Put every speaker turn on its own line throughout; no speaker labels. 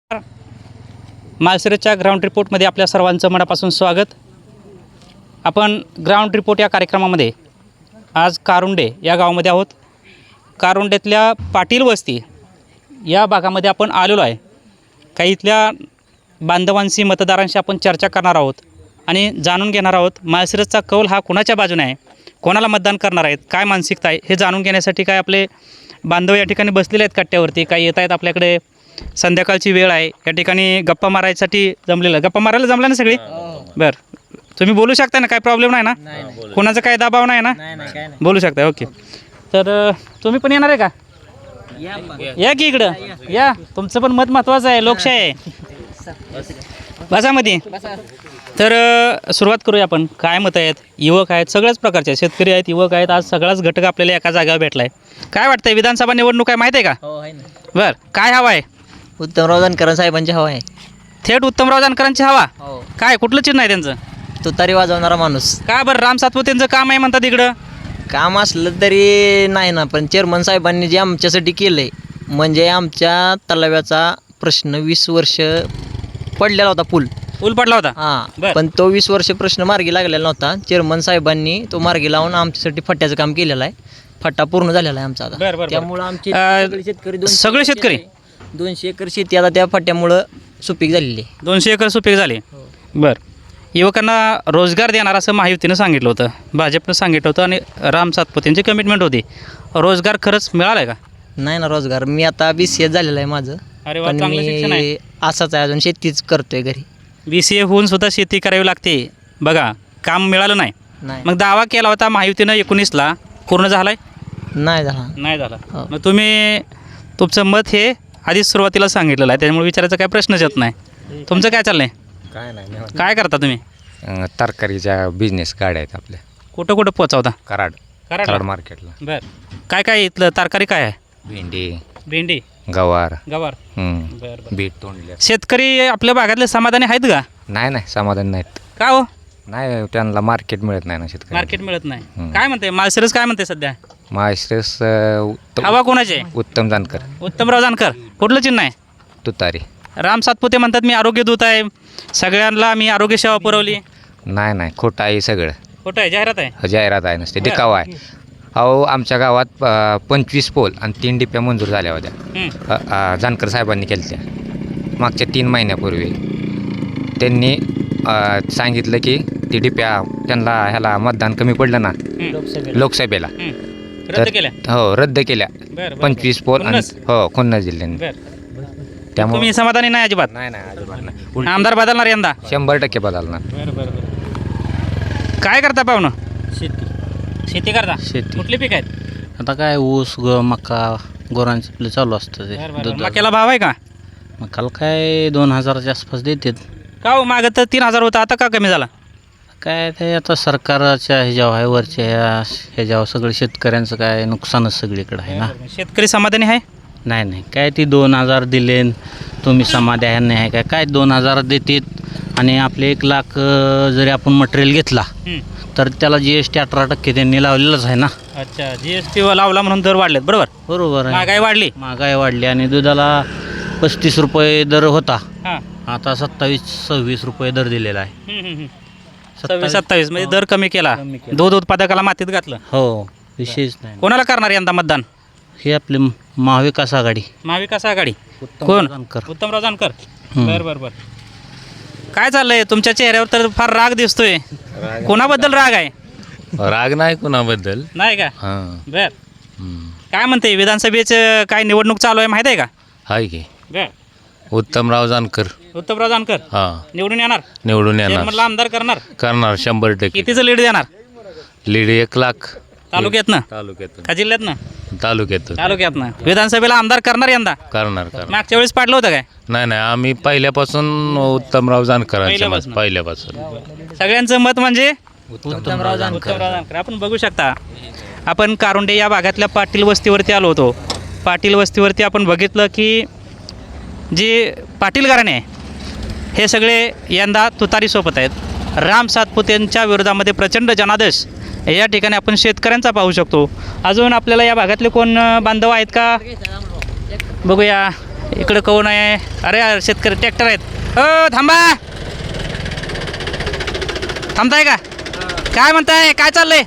माळशिरसच्या ground रिपोर्टमध्ये आपल्या सर्वांचं मनापासून स्वागत. आपण ग्राउंड रिपोर्ट या कार्यक्रमामध्ये आज कारुंडे या गावामध्ये आहोत. कारुंडेतल्या पाटील वस्ती या भागामध्ये आपण आलेलो आहे. काही इथल्या बांधवांशी मतदारांशी आपण चर्चा करणार आहोत आणि जाणून घेणार आहोत माळशिरसचा कौल हा कोणाच्या बाजूने आहे, कोणाला मतदान करणार आहेत, काय मानसिकता आहे हे जाणून घेण्यासाठी काय आपले बांधव या ठिकाणी बसलेले आहेत कट्ट्यावरती. काही येत आहेत आपल्याकडे. संध्याकाळची वेळ आहे, या ठिकाणी गप्पा मारायसाठी जमलेलं. गप्पा मारायला जमला ना सगळी? बरं, तुम्ही बोलू शकता ना, काय प्रॉब्लेम नाही ना? कोणाचा काय दबाव नाही ना? बोलू शकता. ओके, तर तुम्ही पण येणार आहे का? या की इकडं या, तुमचं पण मत महत्त्वाचं आहे, लोकशाही आहे. बसामध्ये तर सुरुवात करूया आपण. काय मत आहेत? युवक आहेत, सगळ्याच प्रकारचे शेतकरी आहेत, युवक आहेत. आज सगळाच घटक आपल्याला एका जागेवर भेटला आहे. काय वाटतंय, विधानसभा निवडणूक आहे माहीत आहे का? बरं, काय हवा आहे?
उत्तमराव जानकर साहेबांची हवा आहे.
थेट उत्तमराव जानकरांची हवा? काय कुठलं चिन्ह आहे त्यांचं?
तुतारी वाजवणारा माणूस.
का बरं? राम सातपुतेंचं काम आहे म्हणतात इकडं.
काम असलं तरी नाही ना, पण चेअरमन साहेबांनी जे आमच्यासाठी केलं आहे, म्हणजे आमच्या तलाव्याचा प्रश्न 20 वर्ष पडलेला होता. पूल
पडला होता.
हां, पण तो 20 वर्ष प्रश्न मार्गी लागलेला नव्हता. चेअरमन साहेबांनी तो मार्गी लावून आमच्यासाठी फट्ट्याचं काम केलेलं आहे. फट्टा पूर्ण झालेला आहे आमचा आता. त्यामुळं आमचे
सगळे शेतकरी
200 एकर शेती आता त्या फट्ट्यामुळं सुपीक झालेली आहे.
200 एकर सुपीक झाली. बरं, युवकांना रोजगार देणार असं महायुतीनं सांगितलं होतं, भाजपनं सांगितलं होतं आणि राम सातपुतेंची कमिटमेंट होती. रोजगार खरंच मिळाला आहे का?
नाही ना रोजगार. मी आता BCA झालेलं आहे माझं.
अरे वा,
पण
चांगलं शिक्षण आहे.
मी असाच आहे, अजून शेतीच करतोय घरी.
BCA होऊन सुद्धा शेती करावी लागते. बघा, काम मिळालं नाही. मग दावा केला होता महायुतीनं 19ला, पूर्ण झाला आहे? नाही झाला. मग तुम्ही तुमचं मत हे आधीच सुरुवातीला सांगितलेलं आहे, त्यामुळे विचारायचा काय प्रश्नच येत नाही. तुमचं काय चाललं आहे?
काय नाही,
काय करता तुम्ही?
तरकारीच्या बिझनेस गाड्या आहेत आपल्या.
कुठं कुठं पोचावता?
कराड मार्केटला.
बरं, काय काय इथलं तरकारी काय आहे? भेंडी,
गवार,
बरं.
बीट तोंडले.
शेतकरी आपल्या भागातले समाधानी आहेत का?
नाही समाधान नाहीत.
का हो?
नाही, त्यांना मार्केट मिळत नाही ना, शेतकरी
मार्केट मिळत नाही. काय म्हणते माळशिरस, काय म्हणते सध्या
माळशिरस?
हवा कोणाची आहे?
उत्तम जानकर.
उत्तमराव जानकर. कुठलं चिन्ह आहे?
तुतारी.
राम सातपुते म्हणतात मी आरोग्य दूत आहे, सगळ्यांना मी आरोग्य सेवा पुरवली.
नाही, खोटं आहे सगळं.
खोटं आहे, जाहिरात आहे.
जाहिरात आहे नसते, दिखावा आहे. अहो, आमच्या गावात 25 पोल आणि 3 डिप्या मंजूर झाल्या होत्या. जानकर साहेबांनी केल्या त्या मागच्या 3 महिन्यापूर्वी. त्यांनी सांगितलं की ती डिप्या त्यांना ह्याला मतदान कमी पडलं ना लोकसभेला,
रद्द केल्या.
हो रद्द केल्या. 25 पोल आणि खुन्नस जिल्ह्याने. त्यामुळे
तुम्ही समाधानी नाही अजिबात?
नाही अजिबात नाही.
आमदार बदलणार यंदा?
100% बदलणार.
काय करता पाहुणं?
शेती
करता?
शेती.
कुठले पीक आहेत?
आता काय ऊस मका गुरांचं आपलं चालू असतं ते.
मक्याला भाव आहे का?
मकाला काय 2000च्या आसपास देतात.
का हो, मागं तर 3000 होता, आता का कमी झाला?
काय ते आता सरकारच्या ह्याच्यावर आहे, वरच्या ह्याच्यावर सगळं शेतकऱ्यांचं काय नुकसानच सगळीकडे आहे ना.
शेतकरी समाधानी आहे?
नाही काय ती 2000 दिले तुम्ही समाधान आहे काय 2000 देतात आणि आपले 1 लाख जरी आपण मटेरियल घेतला तर त्याला GST 18% त्यांनी लावलेलंच आहे ना.
अच्छा, GST लावला म्हणून दर वाढलेत. बरोबर आहे. महागाई वाढली
आणि दुधाला 35 रुपये दर होता,
हां,
आता 27-26 रुपये दर दिलेला आहे.
27 म्हणजे दर कमी केला. दूध उत्पादकाला मातीत घातलं.
हो, विशेष नाही.
कोणाला करणार यंदा मतदान?
हे आपले महाविकास आघाडी.
महाविकास आघाडी. कोण? उत्तमराव जानकर. बरं. काय चाललंय तुमच्या चेहऱ्यावर? तर फार राग दिसतोय. कोणाबद्दल राग आहे?
राग नाही कोणाबद्दल.
नाही का?
हां.
बर. काय म्हणते, विधानसभेचं काय निवडणूक चालू आहे माहिती आहे का?
आहे की.
बर.
उत्तमराव जानकर.
हां, निवडून येणार.
चेअरमनला
आमदार करणार
100%.
कितीचं लीड देणार?
लीड 1 लाख.
तालुक्यातनं का जिल्ह्यातनं? तालुक्यातनं. विधानसभेला आमदार करणार यंदा?
करणार.
मागच्या वेळेस पाडलं होतं काय?
नाही आम्ही पहिल्यापासून उत्तमराव जानकरांच्या पहिल्यापासून.
सगळ्यांचं मत म्हणजे उत्तमराव जानकर. आपण बघू शकता, आपण कारुंडे या भागातल्या पाटील वस्तीवरती आलो होतो. पाटील वस्तीवरती आपण बघितलं की जे पाटील घराणे आहे हे सगळे यंदा तुतारी सोबत आहेत. राम सातपुतेंच्या विरोधामध्ये प्रचंड जनादेश या ठिकाणी आपण शेतकऱ्यांचा पाहू शकतो. अजून आपल्याला या भागातले कोण बांधव आहेत का बघूया. इकडं कोण आहे? अरे शेतकरी ट्रॅक्टर आहेत. थांबा, थांबताय का? काय म्हणताय, काय चाललंय?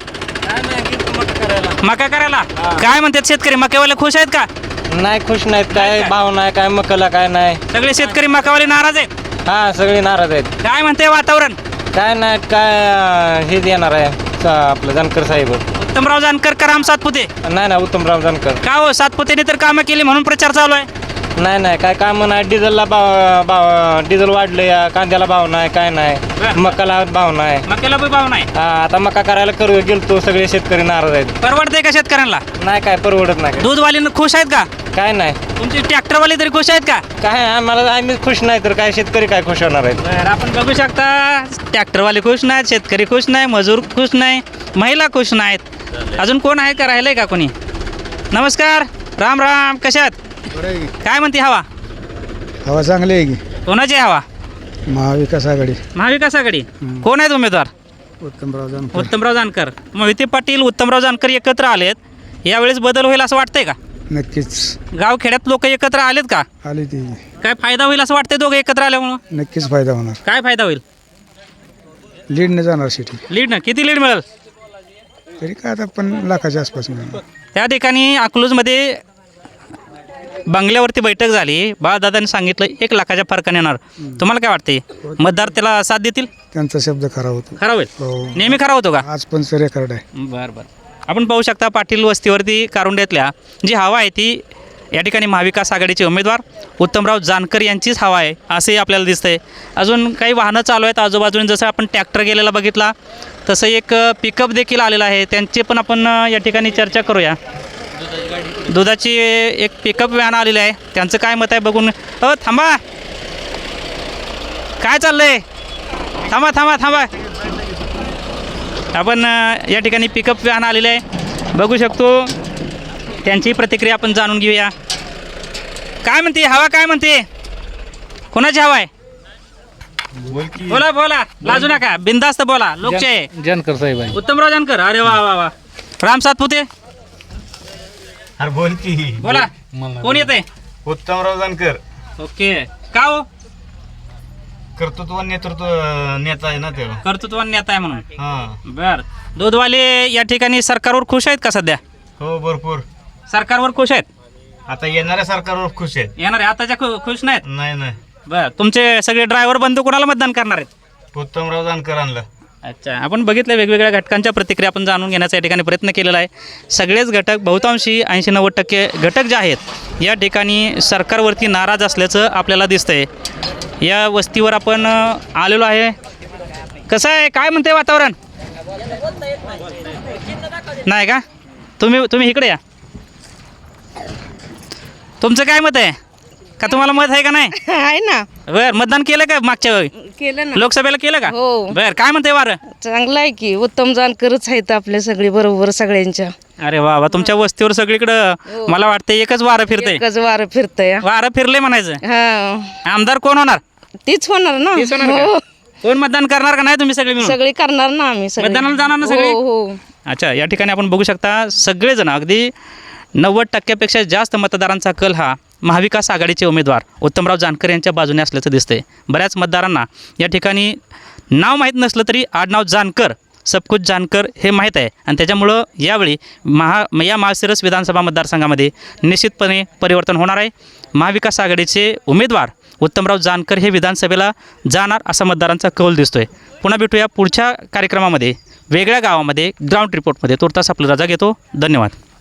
मका करायला काय म्हणतात शेतकरी? मक्यावाले खुश आहेत का?
नाही खुश नाहीत, काय भाव नाही, काय मकला काय नाही.
सगळे शेतकरी मकावाले नाराज आहेत.
हा सगळे नाराज आहेत.
काय म्हणते वातावरण?
काय नाही, काय हे देणार आहे आपलं जानकर साहेब.
उत्तमराव जानकर का राम सातपुते?
नाही ना, उत्तमराव जानकर.
का हो, सातपुतेने तर कामं केली म्हणून प्रचार चालू आहे.
नाही काय काम नाही. डिझेलला डिझेल वाढलं, या कांद्याला भाव नाही, काय नाही, मकाला भाव नाही.
मक्याला बी भाव नाही.
हा आता मका करायला गेलतो, सगळे शेतकरी नाराज आहेत.
परवडते का शेतकऱ्यांना?
नाही काय परवडत नाही.
दूधवाले खुश आहेत का?
काय नाही.
तुमचे ट्रॅक्टरवाले तरी खुश आहेत का?
काय आम्ही खुश नाही तर काय शेतकरी काय खुश होणार आहेत.
बरं, आपण बघू शकता ट्रॅक्टरवाले खुश नाहीत, शेतकरी खुश नाही, मजूर खुश नाही, महिला खुश नाहीत. अजून कोण आहे का, राहिलंय का कोणी? नमस्कार, राम राम, कशात? काय म्हणते हवा?
हवा चांगली आहे की.
कोणाची हवा?
महाविकास आघाडी.
महाविकास आघाडी. कोण आहेत उमेदवार?
उत्तमराव जानकर.
उत्तमराव जानकर. मोहिते पाटील, उत्तमराव जानकर एकत्र आलेत. यावेळेस बदल होईल असं वाटतंय का?
नक्कीच
गाव खेड्यात लोक एकत्र आलेत का?
आली ती.
काय फायदा होईल असं वाटतंय दोघं एकत्र आल्यामुळं?
नक्कीच फायदा होणार.
काय फायदा होईल?
लीडने जाणार सिटी.
लीड ना किती लीड मिळेल?
तरी काय आता पण लाखाच्या आसपास मिळणार.
त्या ठिकाणी अकलूजमध्ये बंगल्यावरती बैठक झाली. बाळदादांनी सांगितलं 1 लाखाच्या फरकाने येणार. तुम्हाला काय वाटते, मतदार त्याला साथ देतील?
त्यांचा शब्द खरा होतो.
खरा होईल?
हो.
नेहमी खरा होतो का?
आज पण रेकॉर्ड आहे.
बरं. आपण पाहू शकता पाटील वस्तीवरती कारुंड्यातल्या जी हवा आहे ती या ठिकाणी महाविकास आघाडीचे उमेदवार उत्तमराव जानकर यांचीच हवा आहे असंही आपल्याला दिसतंय. अजून काही वाहनं चालू आहेत आजूबाजूने. जसं आपण ट्रॅक्टर गेलेला बघितला तसं एक पिकअप देखील आलेला आहे. त्यांची पण आपण या ठिकाणी चर्चा करूया. दुधाची एक पिकअप व्हॅन आलेली आहे, त्यांचं काय मत आहे बघून. थांबा, काय चाललंय? थांबा. आपण या ठिकाणी पिकअप व्हॅन आलेली आहे, बघू शकतो. त्यांची प्रतिक्रिया आपण जाणून घेऊया. काय म्हणते हवा, काय म्हणते? कोणाची हवा आहे? बोला, लाजू नका, बिनधास्त बोला. लोकशाही.
जानकर साहेब आहे.
उत्तमराव जानकर. अरे वा. राम सातपुते.
अरे बोल की.
बोला, कोण येते?
उत्तमराव जानकर.
ओके. का हो?
कर्तृत्व नेतृत्व नेता आहे ना तेव्हा.
कर्तृत्वान नेता आहे म्हणून.
हा.
बर. दूधवाले या ठिकाणी सरकारवर खुश आहेत का सध्या?
हो भरपूर.
सरकारवर खुश आहेत?
आता येणाऱ्या सरकारवर खुश आहेत.
येणार आहे आताच्या खुश नाहीत?
नाही.
बर. तुमचे सगळे ड्रायव्हर बंधू कोणाला मतदान करणार आहेत?
उत्तमराव जानकर आणलं.
अच्छा. आपण बघितलं वेगवेगळ्या घटकांच्या प्रतिक्रिया आपण जाणून घेण्याचा या ठिकाणी प्रयत्न केलेला आहे. सगळेच घटक बहुतांशी 80-90% घटक जे आहेत या ठिकाणी सरकारवरती नाराज असल्याचं आपल्याला दिसतंय. या वस्तीवर आपण आलेलो आहे. कसं आहे, काय म्हणते वातावरण? नाही का? तुम्ही इकडे या. तुमचं काय मत आहे का? तुम्हाला मत आहे का नाही?
आहे ना.
बरं. मतदान केलं का मागच्या वेळी?
केलं ना.
लोकसभेला केलं का?
हो.
बरं. काय म्हणते वारं?
चांगलं आहे की. उत्तम जानकरच आहेत आपले सगळे बरोबर सगळ्यांच्या.
अरे वा. तुमच्या वस्तीवर सगळीकडं मला वाटतं एकच वारं फिरतंय.
एकच वारं फिरतंय.
वारं फिरले म्हणायचं.
हा,
आमदार कोण होणार?
तीच होणार ना.
तीच होणार का?
हो.
कोण मतदान करणार का नाही तुम्ही सगळे मिळून?
सगळी करणार ना आम्ही सगळे.
मतदानाला जाणार ना सगळे?
हो.
अच्छा. या ठिकाणी आपण बघू शकता सगळेजण अगदी 90%पेक्षा जास्त मतदारांचा कल हा महाविकास आघाडीचे उमेदवार उत्तमराव जानकर यांच्या बाजूने असल्याचं दिसतंय. बऱ्याच मतदारांना या ठिकाणी नाव माहीत नसलं तरी आडनाव जानकर, सबकुछ जानकर हे माहीत आहे आणि त्याच्यामुळं यावेळी या माळशिरस विधानसभा मतदारसंघामध्ये निश्चितपणे परिवर्तन होणार आहे. महाविकास आघाडीचे उमेदवार उत्तमराव जानकर हे विधानसभेला जाणार असा मतदारांचा कौल दिसतोय. पुन्हा भेटूया पुढच्या कार्यक्रमामध्ये वेगळ्या गावामध्ये ग्राउंड रिपोर्टमध्ये. तुर्तास आपली रजा घेतो. धन्यवाद.